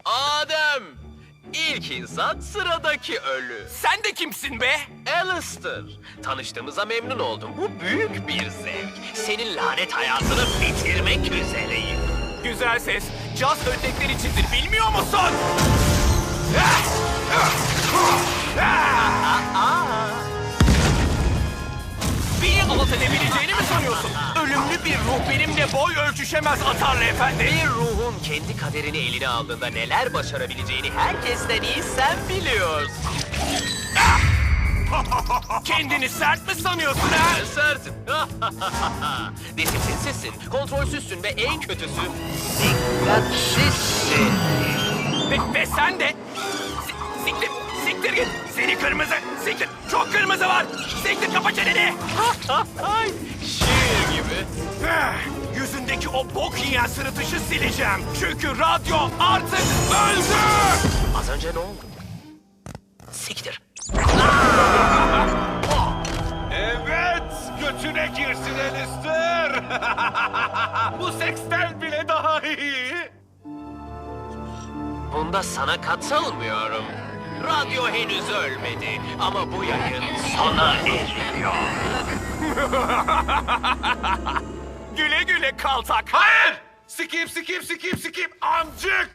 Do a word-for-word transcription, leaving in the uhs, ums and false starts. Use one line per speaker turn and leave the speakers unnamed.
Adem! İlk insan sıradaki ölü.
Sen de kimsin be?
Alistair. Tanıştığımıza memnun oldum. Bu büyük bir zevk. Senin lanet hayatını bitirmek üzereyim.
Güzel ses. Caz ödekler içindir, bilmiyor musun? Beni alt edebileceğini mi sanıyorsun? Ölümlü bir ruh benimle boy ölçüşemez Atarlı Efendi.
Bir ruhun kendi kaderini eline aldığında neler başarabileceğini herkesten iyi sen biliyorsun.
Kendini sert mi sanıyorsun ha?
Sersin. Disiplinsizsin, kontrolsüzsün ve en kötüsü dikkatsizsin.
Ve, ve sen de... Si- siktir, siktir git. Seni kırmızı, siktir. Çok kırmızı var. Siktir, kapa çeneni.
Ay, şiir gibi.
Eh, Yüzündeki o bok yiyen sırıtışı sileceğim. Çünkü radyo artık öldü.
Az önce ne oldu? Siktir.
Evet, götüne girsin Alistair. Bu seksten bile daha iyi.
Bunda sana katılmıyorum. Radyo henüz ölmedi ama bu yayın sona eriyor.
Güle güle kaltak.
Hayır! Sikip sikip sikip sikip amcık!